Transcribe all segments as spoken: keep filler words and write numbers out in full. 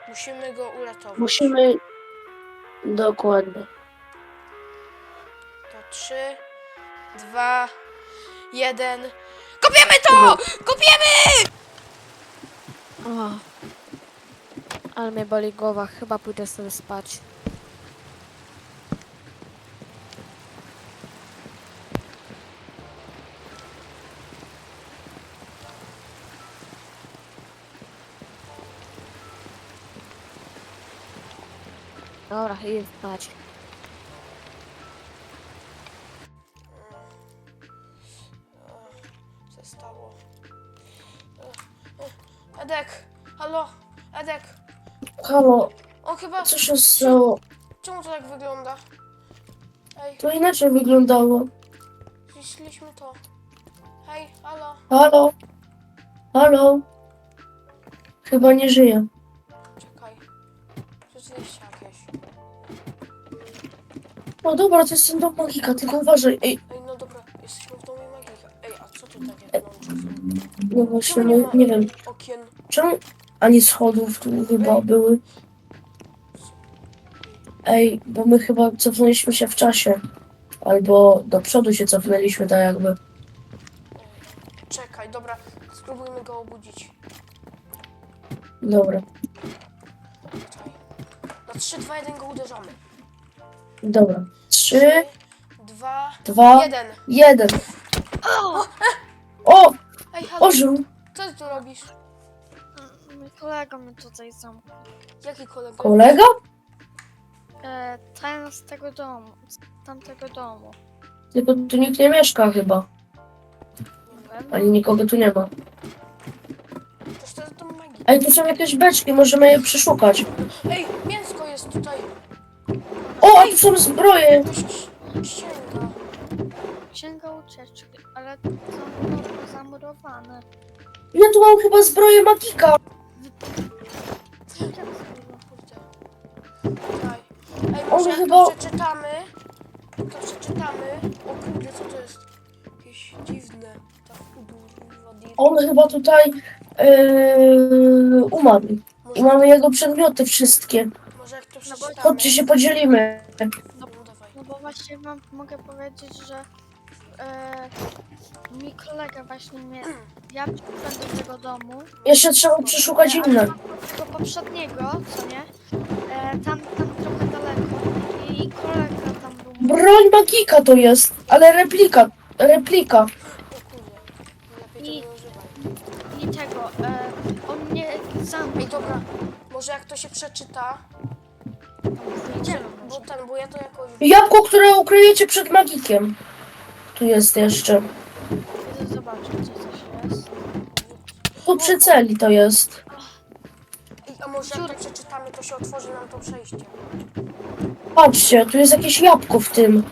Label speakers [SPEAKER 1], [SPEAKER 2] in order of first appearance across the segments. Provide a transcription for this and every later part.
[SPEAKER 1] Musimy go uratować.
[SPEAKER 2] Musimy... Dokładnie.
[SPEAKER 1] To trzy, dwa, jeden. Kopiemy to! Kopiemy!
[SPEAKER 3] O, ale mnie boli głowa, chyba pójdę sobie spać. Dobra, idę spać.
[SPEAKER 1] Co się stało? Edek, halo, Edek.
[SPEAKER 2] Halo,
[SPEAKER 1] On chyba...
[SPEAKER 2] co się stało?
[SPEAKER 1] Czemu to tak wygląda? Ej,
[SPEAKER 2] To inaczej wyglądało.
[SPEAKER 1] zniszczyliśmy to. Hej, halo.
[SPEAKER 2] Halo? Halo? Chyba nie żyje.
[SPEAKER 1] Czekaj. Rzeczywiście jakieś.
[SPEAKER 2] No dobra, to jest ten dom magika, tylko uważaj. Ej,
[SPEAKER 1] Ej, no dobra, jesteśmy w domu magika. Ej, a co tu takie wnętrze są?
[SPEAKER 2] no właśnie,
[SPEAKER 1] Czemu
[SPEAKER 2] nie,
[SPEAKER 1] nie ma
[SPEAKER 2] nie wiem.
[SPEAKER 1] okien?
[SPEAKER 2] Czemu ani schodów tu chyba były? Ej, bo my chyba cofnęliśmy się w czasie. Albo do przodu się cofnęliśmy, tak jakby.
[SPEAKER 1] Czekaj, dobra, spróbujmy go obudzić.
[SPEAKER 2] Dobra,
[SPEAKER 1] Czekaj. Na trzy, dwa, jeden go uderzamy.
[SPEAKER 2] dobra. Trzy,
[SPEAKER 1] dwa,
[SPEAKER 2] dwa,
[SPEAKER 1] jeden.
[SPEAKER 2] jeden.
[SPEAKER 3] O!
[SPEAKER 2] O!
[SPEAKER 1] Ej, halo,
[SPEAKER 2] Ożył!
[SPEAKER 1] co ty tu robisz?
[SPEAKER 3] Mój kolega mnie tutaj zamknął.
[SPEAKER 1] Jaki kolega?
[SPEAKER 2] Kolega?
[SPEAKER 3] E, ten z tego domu, z tamtego domu.
[SPEAKER 2] Tylko tu nikt nie mieszka chyba.
[SPEAKER 3] Nie wiem.
[SPEAKER 2] Ani nikogo tu nie ma.
[SPEAKER 1] Toż to jest dom magii.
[SPEAKER 2] Ej, tu są jakieś beczki, możemy je przeszukać.
[SPEAKER 1] Ej, mięsko jest tutaj.
[SPEAKER 2] O, a tu są zbroje!
[SPEAKER 1] To się ścięga.
[SPEAKER 3] Księga ucieczki, ale zamuro- zamurowane.
[SPEAKER 2] Ja tu mam chyba zbroję magika.
[SPEAKER 3] Jak to?
[SPEAKER 1] Kurde. Czekaj. Ej,
[SPEAKER 2] On
[SPEAKER 1] może jak
[SPEAKER 2] chyba-
[SPEAKER 1] to przeczytamy? To przeczytamy. O kurde, co to jest? Jakieś dziwne. Tak, kurwa, dziwne.
[SPEAKER 2] On chyba tutaj yy, umarł. I
[SPEAKER 1] Może,
[SPEAKER 2] mamy jego przedmioty wszystkie.
[SPEAKER 1] może jak to
[SPEAKER 3] No bo-
[SPEAKER 1] przeczytamy?
[SPEAKER 2] Chodźcie się podzielimy.
[SPEAKER 1] No, dawaj.
[SPEAKER 3] No bo właśnie wam mogę powiedzieć, że e, mój kolega właśnie mnie, ja przyszedłem do tego domu,
[SPEAKER 2] Jeszcze trzeba przeszukać
[SPEAKER 3] e,
[SPEAKER 2] inne.
[SPEAKER 3] ale tego poprzedniego, co nie, e, tam, tam trochę daleko i kolega tam był.
[SPEAKER 2] Broń magika to jest, ale replika. Replika.
[SPEAKER 1] O kurde. Lepiej
[SPEAKER 3] I-
[SPEAKER 1] tego nie używaj.
[SPEAKER 3] I tego, e, on mnie
[SPEAKER 1] Ej,
[SPEAKER 3] zamknął.
[SPEAKER 1] dobra. Może jak to się przeczyta?
[SPEAKER 3] Idziemy
[SPEAKER 1] Bo
[SPEAKER 3] może.
[SPEAKER 1] ten, bo ja to jakoś...
[SPEAKER 2] Jabłko, które ukryjecie przed magikiem. Tu jest jeszcze.
[SPEAKER 3] Idę zobaczyć, co coś jest.
[SPEAKER 2] Tu przy celi to jest.
[SPEAKER 1] Ej, a może jak to przeczytamy, to się otworzy nam to przejście.
[SPEAKER 2] Patrzcie, tu jest jakieś jabłko w tym.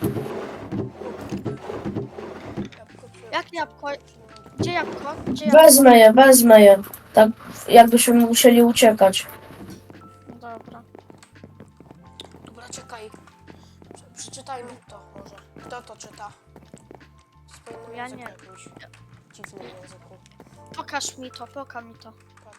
[SPEAKER 1] Jabłko czy-
[SPEAKER 3] Jak jabłko? Gdzie jabłko? Gdzie jabłko?
[SPEAKER 2] Wezmę je, wezmę je. Tak jakbyśmy musieli uciekać.
[SPEAKER 3] Dobra.
[SPEAKER 1] Dobra, czekaj. Prze- Przeczytajmy to może. Kto to czyta? W
[SPEAKER 3] Ja
[SPEAKER 1] swoim
[SPEAKER 3] nie.
[SPEAKER 1] języku jakimś dziwnym języku.
[SPEAKER 3] Pokaż mi to, pokaż mi to.
[SPEAKER 1] Patrz.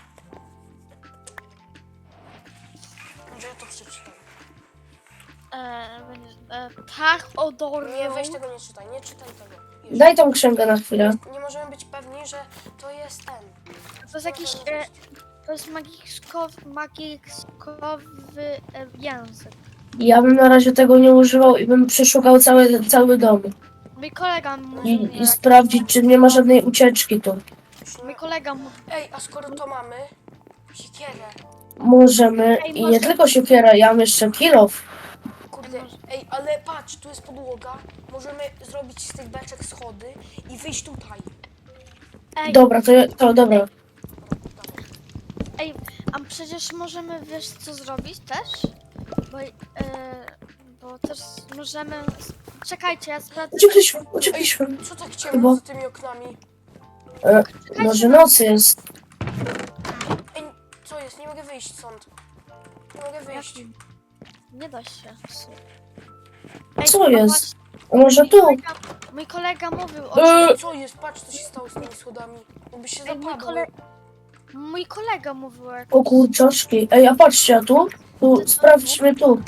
[SPEAKER 1] Może ja to przeczytam.
[SPEAKER 3] E, będzie, e, tak, odornie.
[SPEAKER 1] Nie, weź tego nie czytaj, nie czytaj tego. Jeszcze.
[SPEAKER 2] Daj tą księgę na chwilę.
[SPEAKER 1] Nie możemy być pewni, że to jest ten.
[SPEAKER 3] To jest jakiś, e, to jest magiczkowy, magiczkowy e, język.
[SPEAKER 2] Ja bym na razie tego nie używał i bym przeszukał cały, cały dom.
[SPEAKER 3] Mój kolega mówił mi,
[SPEAKER 2] I, i
[SPEAKER 3] jak-
[SPEAKER 2] sprawdzić, czy nie ma żadnej ucieczki tu.
[SPEAKER 3] mój kolega mówił,
[SPEAKER 1] Ej, a skoro to mamy, siekierę.
[SPEAKER 2] Możemy.
[SPEAKER 3] Ej,
[SPEAKER 2] I
[SPEAKER 3] może-
[SPEAKER 2] nie tylko siekiera, ja mam jeszcze kilof.
[SPEAKER 1] Kurde, ej, ale patrz, tu jest podłoga. Możemy zrobić z tych beczek schody i wyjść tutaj.
[SPEAKER 3] ej,
[SPEAKER 2] Dobra, to, ja- to dobra.
[SPEAKER 1] Dawaj.
[SPEAKER 3] ej, a przecież możemy, wiesz co zrobić też? Bo, e, bo też możemy, czekajcie, ja sprawdzę.
[SPEAKER 2] Uciekliśmy, uciekliśmy.
[SPEAKER 1] Co tak ciemno za tymi oknami?
[SPEAKER 2] E, może noc jest.
[SPEAKER 1] Ej, co jest? Nie mogę wyjść stąd. Nie mogę wyjść.
[SPEAKER 3] Jak- Nie da się.
[SPEAKER 2] Co
[SPEAKER 3] a
[SPEAKER 2] jest?
[SPEAKER 3] właśnie,
[SPEAKER 2] A może
[SPEAKER 3] mój
[SPEAKER 2] tu?
[SPEAKER 3] kolega, mój kolega mówił o
[SPEAKER 2] E,
[SPEAKER 1] Co jest? Patrz, co się stało z tymi schodami. Jakby się
[SPEAKER 3] Ej, mój
[SPEAKER 1] zapadły.
[SPEAKER 3] kole- Mój kolega mówił jak...
[SPEAKER 2] O kurczaczki. Ej, a patrzcie, a tu? Tu, sprawdźmy tu.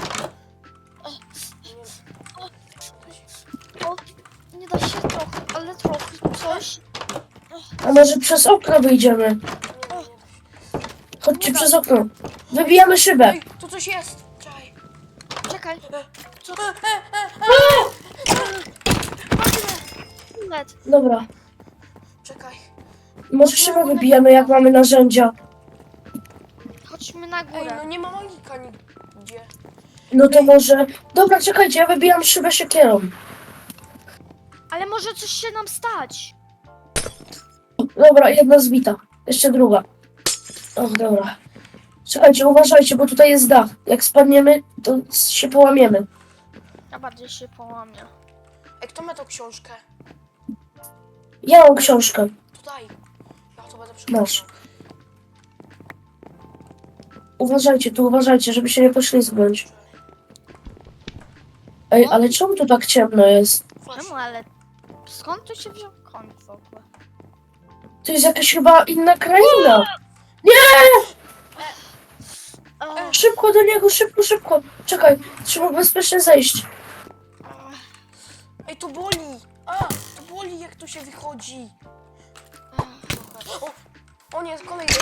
[SPEAKER 3] O, nie da się trochę, ale trochę coś.
[SPEAKER 2] A może przez okno wyjdziemy?
[SPEAKER 1] Nie, nie, nie.
[SPEAKER 2] Chodźcie przez okno. Wybijamy szybę.
[SPEAKER 1] Ej, tu coś jest! Czekaj.
[SPEAKER 3] Czekaj,
[SPEAKER 1] Co?
[SPEAKER 3] net.
[SPEAKER 2] Dobra.
[SPEAKER 1] Czekaj.
[SPEAKER 2] Może szybę wybijemy, jak mamy narzędzia.
[SPEAKER 3] Chodźmy na
[SPEAKER 1] Ej,
[SPEAKER 3] górę.
[SPEAKER 1] no nie ma magika nigdzie.
[SPEAKER 2] No to może... Dobra, czekajcie, ja wybijam szybę siekierą.
[SPEAKER 3] Ale może coś się nam stać.
[SPEAKER 2] Dobra, jedna zbita. Jeszcze druga. O, dobra. Czekajcie, uważajcie, bo tutaj jest dach. Jak spadniemy, to się połamiemy.
[SPEAKER 3] Ja bardziej się połamię.
[SPEAKER 1] Ej, kto ma tą książkę?
[SPEAKER 2] Ja mam książkę.
[SPEAKER 1] To daj. Ja to będę
[SPEAKER 2] Masz.
[SPEAKER 1] przeglądał.
[SPEAKER 2] Uważajcie, tu uważajcie, żeby się nie poślizgnąć. Ej, ale czemu tu tak ciemno jest?
[SPEAKER 3] Czemu, ale skąd tu się wziął koń w ogóle?
[SPEAKER 2] To jest jakaś chyba inna kraina.
[SPEAKER 3] O,
[SPEAKER 2] Szybko do niego, szybko, szybko. Czekaj, trzeba bezpiecznie zejść.
[SPEAKER 1] Ej, to boli! A, to boli, jak tu się wychodzi. O, o nie, kolejny.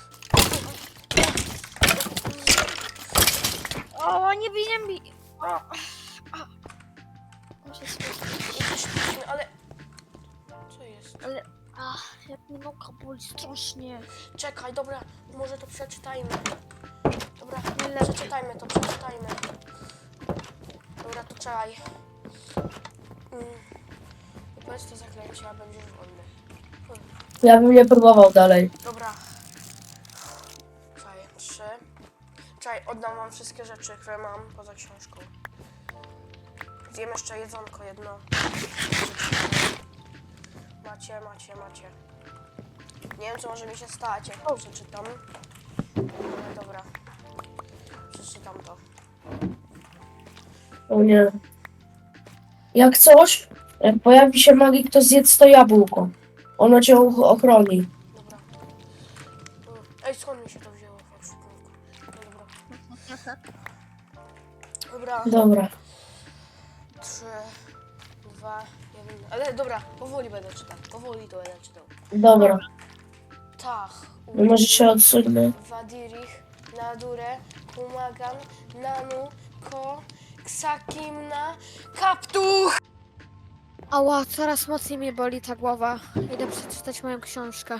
[SPEAKER 3] o nie bij, nie bij. O, o. Muszę spojrzeć.
[SPEAKER 1] Jesteśmy, ale... Co jest?
[SPEAKER 3] Ale, ach, jak mnie noga boli strasznie.
[SPEAKER 1] Czekaj, dobra, może to przeczytajmy. Dobra,
[SPEAKER 3] Nie lepiej.
[SPEAKER 1] przeczytajmy to, przeczytajmy. Dobra, to czekaj. Mm. Powiedz to zaklęcie, a będziesz wolny.
[SPEAKER 2] Ja bym nie próbował dalej.
[SPEAKER 1] Dobra. Czekaj, trzy. Czekaj, oddam wam wszystkie rzeczy, które mam poza książką. Zjem jeszcze jedzonko jedno. Macie, macie, macie. Nie wiem, co może mi się stać, jak to przeczytam. Ale dobra. Przeczytam to.
[SPEAKER 2] O nie. Jak coś, jak pojawi się magik, to zjedz to jabłko. Ono cię och- ochroni.
[SPEAKER 1] Dobra. Mm. Ej, skąd mi się to wzięło? w ekwipunku? No dobra. Dobra.
[SPEAKER 2] Dobra.
[SPEAKER 1] Trzy, dwa, jeden. Ale dobra, powoli będę czytał. Powoli to będę czytał.
[SPEAKER 2] Dobra.
[SPEAKER 1] Tak.
[SPEAKER 2] No może się odsunę.
[SPEAKER 1] Wadirich, Nadure, Kumagan, Nanu, Ko, Ksakimna, Kaptuch!
[SPEAKER 3] Ała, coraz mocniej mnie boli ta głowa. Idę przeczytać moją książkę.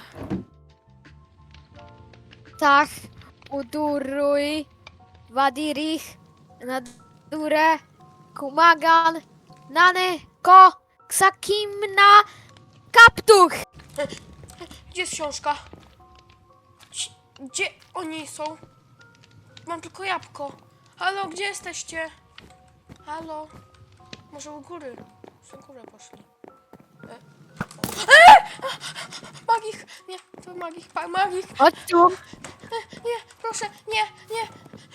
[SPEAKER 3] Tak, uduruj, wadirich, nadure, kumagan, nany, ko, ksakimna, kaptuch!
[SPEAKER 1] Gdzie jest książka? Ci- Gdzie oni są? Mam tylko jabłko. Halo, gdzie jesteście? Halo? Może u góry? U górę poszli. E? E! Magik! Nie, to magik, pa- magik!
[SPEAKER 3] Chodź tu!
[SPEAKER 1] Nie, proszę, nie, nie!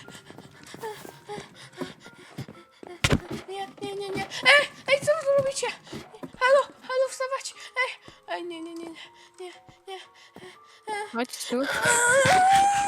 [SPEAKER 1] Nie, nie, nie, nie. Ej, ej, co wy tu robicie? Halo, halo, wstawać! Ej, ej, nie, nie, nie, nie, nie, nie.
[SPEAKER 3] Chodź tu.
[SPEAKER 1] Aaaa!